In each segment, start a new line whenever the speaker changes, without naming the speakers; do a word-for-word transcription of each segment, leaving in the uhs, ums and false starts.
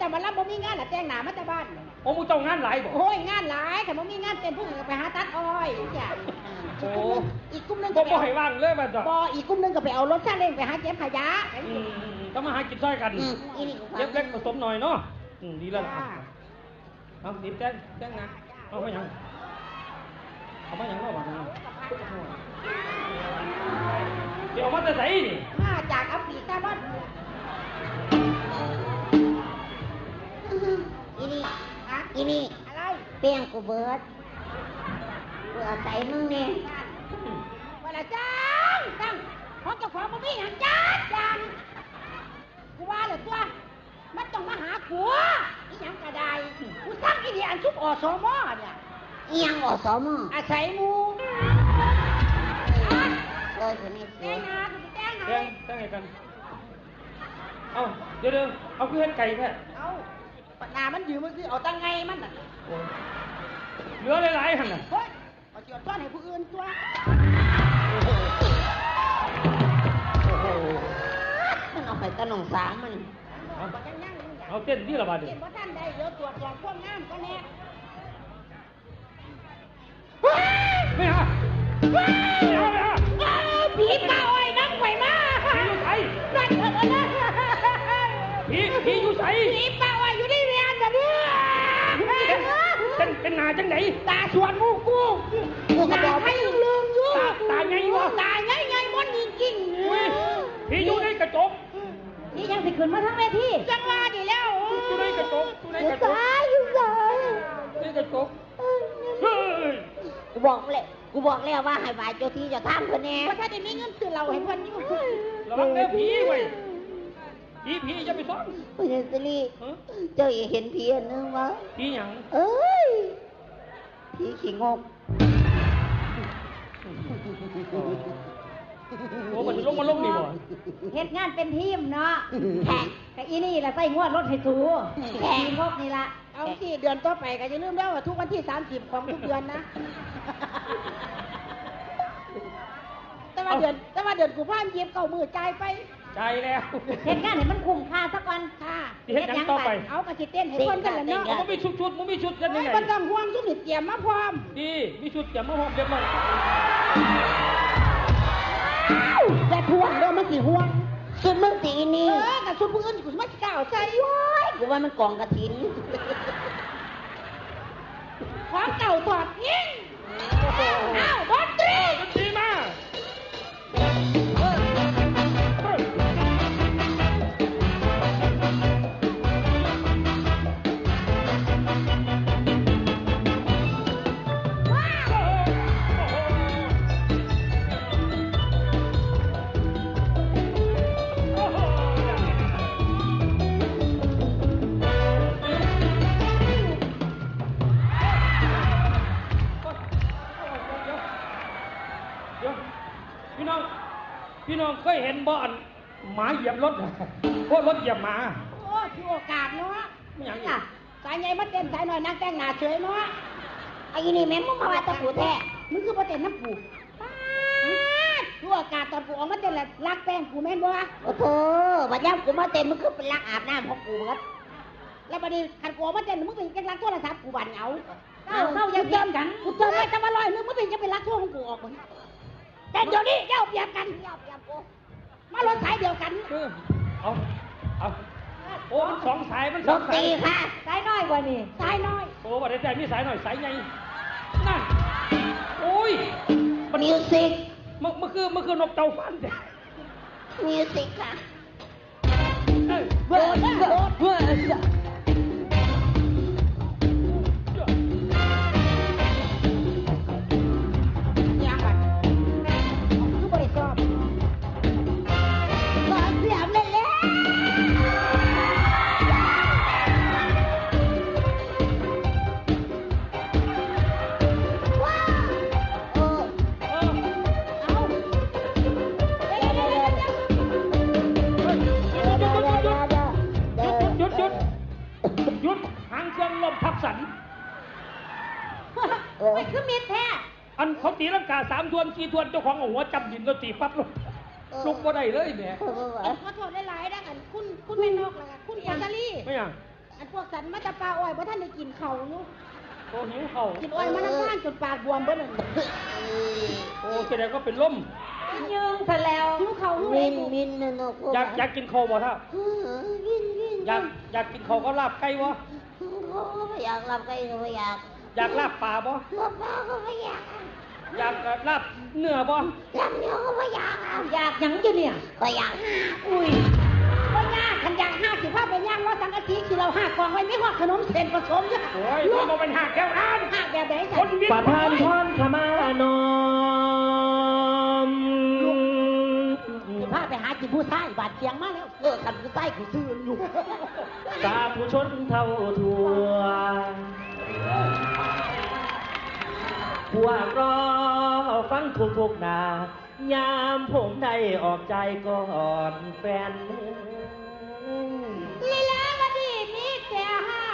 มารับบ่มีงานน่ะแต่งหน้ามาแต่บ้าน
โอ้มึงเจ้างานหลายบ่
โอ้ยงานหลายแต่บ่มีงานเต้นผู้อื่นไปหาตัดอ้อยจ้ะโอ้อีกกลุ่มนึง
ก็บ่ให้ว่างเลยมันจ้ะ
บ่อีกกลุ่มนึงก็ไปเอารถซาเล้งไปหาเก็บขยะ
อืมก็มาหากินซ้อยกันเก็บเล็กผสมหน่อยเนาะอืมดีแล้วล่ะเอาดิบแจ้งแจ้งนะเอาไปยังเอามายังเนาะบ่นะเดี๋ยวมาแต่ไสนี่
มาจากอัฟริกาบ้านอีนี่อะอีนี่อะไรเปียงกูเบิดเบื่อใส่มึงเนี่ยว่าละจังจังของเจ้าของบ่มีหยังจัดจังกูว่าเลยตัวมันต้องมาหากูอีหยังก็ได้กูสั่งอีนี่อันชุบอสมเนี่ยอีหยังอสมอาศัยหมู่เออคนนี้แจ้งนะกูจะแจ้งนะ
แจ้งแจ้งให้กันเอาเดี๋ยวๆเอาคือเฮ็ดไก่แท้
เอาปนามันยืมมันคือเอาตั้งไงมันน่ะ
เหลือหลายๆหั่นน่ะ
เฮ้ยเอาสิเอาต้อนให้ผู้อื่นตัวมันเอาไปตะหนองสางมันเอา
เอาเต้นที่ละบาด
เต้นบ่ทันได้เดี๋ยวตรวจสอบความงามก็แน่
ไม่ฮะไม่ฮะไม่ฮะ
ผีป่าอ้อยนั่งไหวมา
ผีอยู่ไส
นั่นเถอะนะ
ผีผีอยู่ไส
ผีป่าอ้อยอยู่ในเรียนน่ะเนี่ย
เป็นเป็นหน้าจังได๋
ตาสวนมูกูกูก็บอกให้ลืมอยู่
ตาตาใหญ่บ่
ตาใหญ่ๆมันจริงๆ
ผีอยู่ในกระจก
นี่ยังสิขึ้นมาทั้งเวทีจังว่าดิแล้ว
อยู่ในกระจกอยู่ในกระจก
ตายอยู่ไหน
ในกระจกเฮ้ย
กูบอกเลยกูบอกแล้วว่าให้บายเจ้าที่เจ้าทางเพิ่นแน่ว่าถ้าได้มีเงินซื้อเราให้เพิ่นนี่
ระวังเด้อผีเว้ยผีผีอย่าไปซ่อน
พ่อใหญ่สิริเจ้าเห็นผีอันนึงวะ
ผีหยัง
เอ้ยผีขี้งก
โอ้มันลงมาลงนี่บ่
เฮ็ดงานเป็นทีมเนาะแขกแต่อีนี่ล่ะใส่งวดรถให้สูแขกงกนี่ล่ะเอาสิเดือนต่อไปก็อย่าลืมแล้วว่าทุกวันที่สามสิบของทุกเดือนนะแต่ว่าเดือนแต่ว่าเดือนกุมภาพันธ์เก็บเก้ามื้อจ่ายไป
จ่ายแล้ว
เฮ็ดงานให้มันคุ้มค่าสักวันค่ะ
เฮ็ดหยังต่อไป
เอากระสิเต้นให้คนกันแล้วเนาะ
มันมีชุดๆมันมีชุดกันยังไง
บ่ต้องห่วงซุมนี่เตรียมมาพร้อม
ดีมีชุดเตรียมมาพร้อมเรียบร้อย
แต่ห่วงเด้อมันสิห่วงสุดมึงตีนี่เออกับสุดผู้อื่นกูสิมาก้าวใส่โว้ยกูว่ามันกองกระถินของเก่าถอดทิ้งอ้าวดนตรี
ดนตรีมาพี่น้องเคยเห็นบ่อนหมาเหยียบรถพวกรถเหยียบหมา
โอ้ที่โอกาสเนาะไม่อย่างนี้สายใหญ่มาเต้นสายหน่อยนั่งแต่งหน้าเฉยเนาะไอ้นี่แม่มึงมาว่าตะปูแท้มึงคือมาเต้นน้ำปูที่โอกาสตอนปูออกมาเต้นแหละรักแป้งกูแม่นบ่โอ้โหบัดย่ำกูมาเต้นมึงคือเป็นรักอาบน้ำของกูเหมือนแล้วบัดนี้ขันกูออกมาเต้นมึงเป็นกันรักโทรศัพท์กูบันเอาเข้าเข้ายังเติมกันกูเติมไว้จะมาลอยนึงมึงเป็นจะเป็นรักโทรของกูออกมึงแต่เดี๋ยวนี้เย้าเปรียบกันเย้าเปรียบกูมารถสายเดียวกัน
เอาเอาโอ้มันสองสายมัน
สองสายค่ะสายน้อยกว่านี่สายน้อย
โอ้ว่าแต่มีสายหน่อยสายใหญ่นั่นโอ้ย
มิวสิก
มันมันคือมันคือนกเต่าฟันแต่
มิวสิกค่ะ
เบิร์ดเบิร์ดเบิร์ด
ไม่คือมีแท้
อันเขาตีลังกาสามทวนสี่ทวนเจ้าของหัวจับหินเราตีปั๊บลุกลุกบ่ได้เลยแหม
ขอโทษหลายๆนะอันคุณคุณไม่นอกเลยคุณแอนซารี่
ไม่ยัง
สอันพวกสันมาจะปลาอ้อยเพราะท่านได้กินเขาอยู่
โอ้หิวเข่า
กินอ้อยมาน้ำข้างจนปากบวมเบิ้ล
โอ้แสดงก็เป็นลม
ยืงซะแล้วหิวเขาลูก
มิ
เอ้
นมินนะนก
อยากอยากกินข้าวบ่ท่า
วินวิน
อยากอยากกินข้าวก็ลาบไก่บ่
เขาก็ไม่อยากรับใครก็ไม่อยาก
อยากลาบปลาบ่
รับปลาก็ไม่อยาก
อยากลาบเนื้อบ่
รับเนื้อก็ไม่อยาก
อยากหยังอยู่เนี่ย
ก็อยาก
อุ้ยว่ายากขันอยากห้าสิบห้าไปย่างว่าสังกะสีคือเราห้ากองไว้ไม่ว่าขนมเส้นผสมอยู่
โอ้ยมันบ่เป็นหักแก้วนั้น
ห้าแบบไหน
ค
สั
นวิ่ง
ประทานพรขมานอม
สิบห้าไปหาจิผู้ชายบาดเจียงมาแล้วเออกันผู้ชายกูซื้ออยู่
สาธุชนเท่าทั่วพวกรอฟังทุกทุกๆหนายามผมได้ออกใจก่อนแฟน
ลีลาวดีมีแต่หา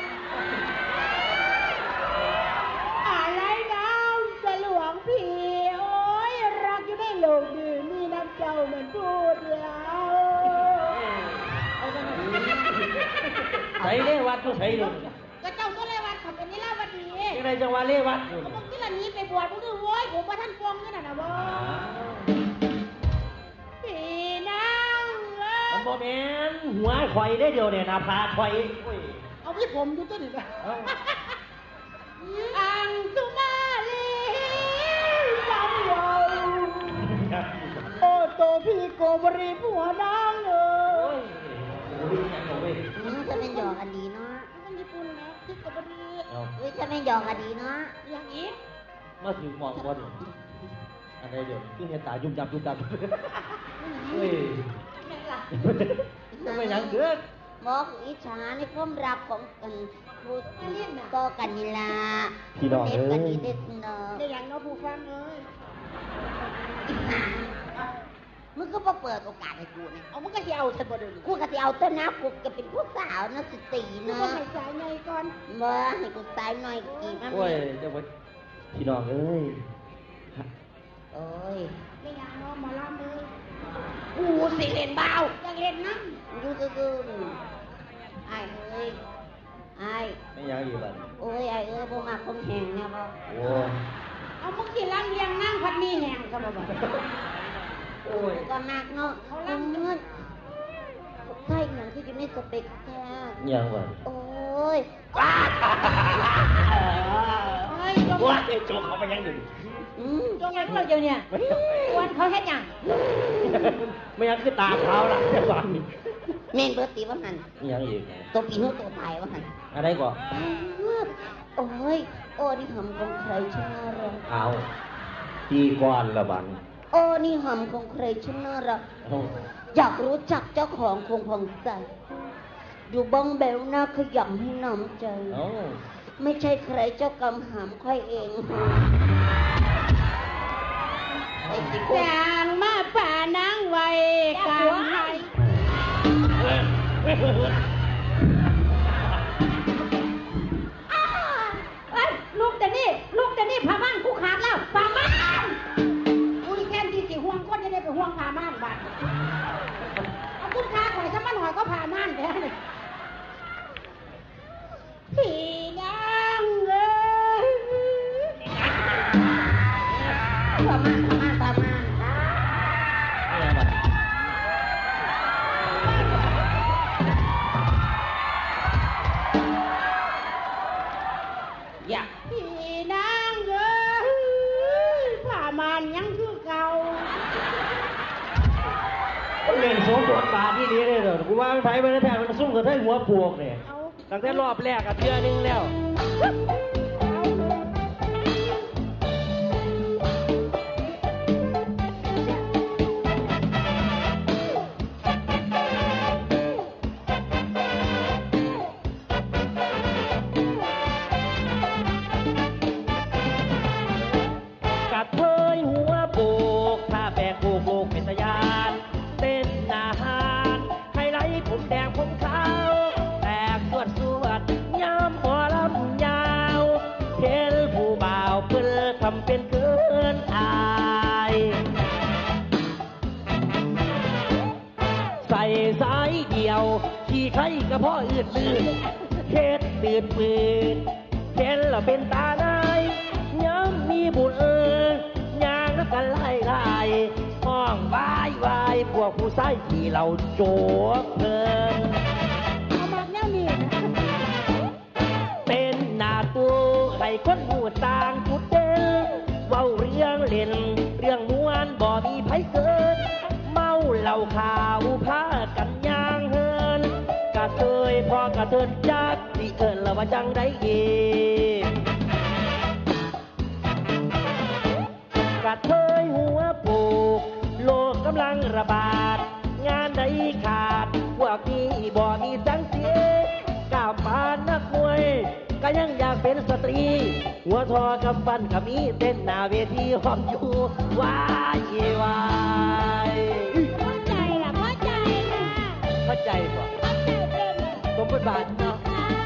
อะไรน้ำจะหลวงพี่โอ้ยรักอยู่ในโลกนี้มีน้ำเจ้าเหมือนพูดแล้ว
ใส่เลวัดก็ใส่เลย
ก็เจ้าก็เลยว่าเขาเป็นลีลาวดี
ยังไงจังหวะเลวัดอยู่
เขาบอกที่ละนี้ไปบวชมึงดูโว้ยผมว่าท่านฟองนี่น่ะนะบ่พี่นางเอ้
มัน
ย
บ่แม่นหัวข่อยได้เดียวเนี่ยหนาผากข่อยโอ้ย
เอาพี่ผมดูต้นหนึ่ง
เอ้า
อังสุมาลีสาวเยาโอ้โตพี่โกบรีผัวนางเอ้
โอ้
ย
ยโอ้ยยังเอาเว้ย
มันจะเป็นหยอกกันดีเนาะ
มันญี่ปุ่นนะพี่โกบรี
เอา
เฮ้ยจะเป็นหยอกกันดีเนาะ
อย่างอีก
มาถึงมองบ่ดิอันใดเดี๋ยวคือเห็นตายุ่มจับยุ่มจับเฮ้ย
แม่ล่ะ
ไม่ยังเกิด
บอกอิจฉาในความรักของกันพูดก็กันนี่ล่ะ
พี่น้อง
เด็
เอ้
กกัน
ย
นี่เด็ดเนาะ
ได้อย่างเน้องผู้ฟังเอ้ย
มึงก็มาเปิดโอกาสให้กูเนี่ย
เอามันก็จะเอาฉันบ่เดิน
กูก็จะเอาต้นน้ำกูจะเป็นผู้สาวนะสตรี
มึง
เนาะ
ก็ให้สายไงก่อน
มาให้กูตายหน่อยกี่มัน
โอ้ยเดี๋ยวไว้พี่น้องเอ้ย
โอ้ย
ได้อย่างเน้องหมอลำเอ้ย
กูสิเล่นเบา
อยากเล่นน้
ดูซื่อๆไอ้เอ้ยไอ้
ไม่ยังอีกบัด
โอ้ยไอ้เอ้ยพวกมาคมแหงเนี่ยบ่
โอ้ย
ำเอามึงสิล้างเลียงนั่งพัดมีแหงก็บ่บอก
โอ้ย
ก็มากเนาะเขาลังเงินใช่อย่างที่อยู่ในสเปกแท้
ยังบัด
โอ้ย
เฮ้ยจง
ว่าไอ้โจกเขาไปยังอยู่
อืม
จงไว้พวกเราเดียวเนี่ยวันเขาเฮ็ดหยัง
ไม่ยังคือตาเขาล่ะจังหวะนี้
แม่นเบิดตีว่าหัน
ยังอีก
ตัวปีนู้ตัวตายว่าหัน
อะไรก่อน
โอ้ยโอ้นี่หำของใครชนะเรา
เอาตีก่อนละบัด
โอ้นี่หำของใครชนะเรา
เอา
อยากรู้จักเจ้าของคงพองใจอยู่บ้องแบวหน้าขยำให้น้ำใจ
เอา
ไม่ใช่ใครเจ้ากำหามค่อยเองไอ้สิพวก
จางมาป่านางไว้กลางไห้
เฮ้ยเฮ้ยเฮ้ยเฮ้ย
อ้าเอ้ยลูกแต่นี่ลูกแต่นี่พาม่านกูขาดแล้วพาม่านกูนี่แค่ที่สิห่วงคนจะได้ไปห่วงพาม่านบาดเอาคุณค้าข่อยซะมันหอยก็พาม่านไปเลยพี่นางเอ้ย
ประมาณประมาณประมาณ
ไม่ยังบัด
อยาก
พี่นางเอ้ยพาม่านยังคือเก่า
เล่นสมบทบาทที่นี้เลยเหรอกูว่ามันไผมันแท้มันซุ่มกับไทหัวปวกเนี่ย
เอา
ตั้งแต่รอบแรกกับเทื่อนึงแล้ว กัดเทยหัวโปกถ้าแบกโบกโบกเป็นตะยานเต้นอาหารไฮไลท์ผมแดงผมขาวแตกสวดสวดย้ำหมอลำยาวเทลผู้บ่าวเพื่อทำเป็นเกินอาย ใส่สายเดียวขี่ไข่กระเพาะอื่นลื่นเฮ็ดตื่นปืนเห็นแล้วเป็นตาในย้ำมีบุญเอิญยางแล้วกันไล่ไล่ห้องวายวายพวกผู้ใส่ที่เราโจกเพลิน
เอามากแนวนี้นะ
เป็นหน้าตัวให้คนหูต่างจุดเด่นเว้าเรื่องเล่นเรื่องมวนบ่มีไผเกิน เมาเหล้าขาวพากันย่างเฮินกะเทยพอกะเทินจักสิเอิ้นละว่าจังได้เองกะเทยหัวโปกโลกกำลังระบาด งานใดขาดพวกนี้บ่มีสังเสียก้าวปานนักมวยก็ยังอยากเป็นสตรี หัวทอกับฟันกับมีเต้นหน้าเวทีหอมอยู่วายวาย
เข้าใจล่ะเข้าใจล่ะ
เข้าใจป่ะ
เข้าใจเป็นล่ะ
สมบทบาทเนาะ
ค่ะ